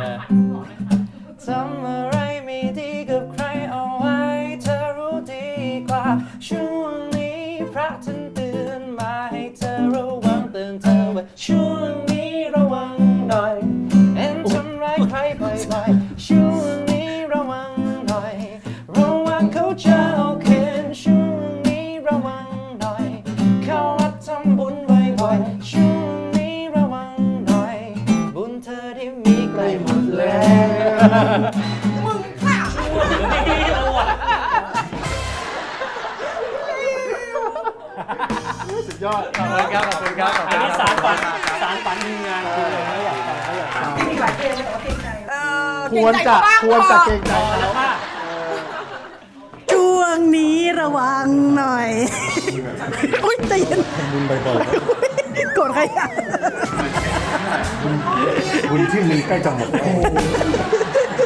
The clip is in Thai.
ทำอะไรไม่ดีกับใครเอาไว้เธอรู้ดีกว่าช่วงนี้พระท่านเตือนมาให้เธอระวังเตือนเธอว่าช่วงนี้ระวังหน่อยเอ็นทำร้ายใครบ่อยๆช่วงนี้ระวังหน่อยระวังเขาจะเอาเข็นช่วงนี้ระวังหน่อยเข้าวัดทำบุญบ่อยๆช่วงนี้ระวังหน่อยบุญเธอที่มีใกล้หมดแล้วมึงค่ะสุดยอดขอบคุณครับขอบคุณครับอันนี้สารฝันทีมงานคือเลยไม่อยากฟังไม่อยากฟังมีหลายเพลงเลยขอเกรงใจควรจะเกรงใจแล้วว่าช่วงนี้ระวังหน่อย อุ้ยใจเย็นบุญบ่อยโกรธใครอ่ะๆบุญที่มีใกล้จะหมดแล้ว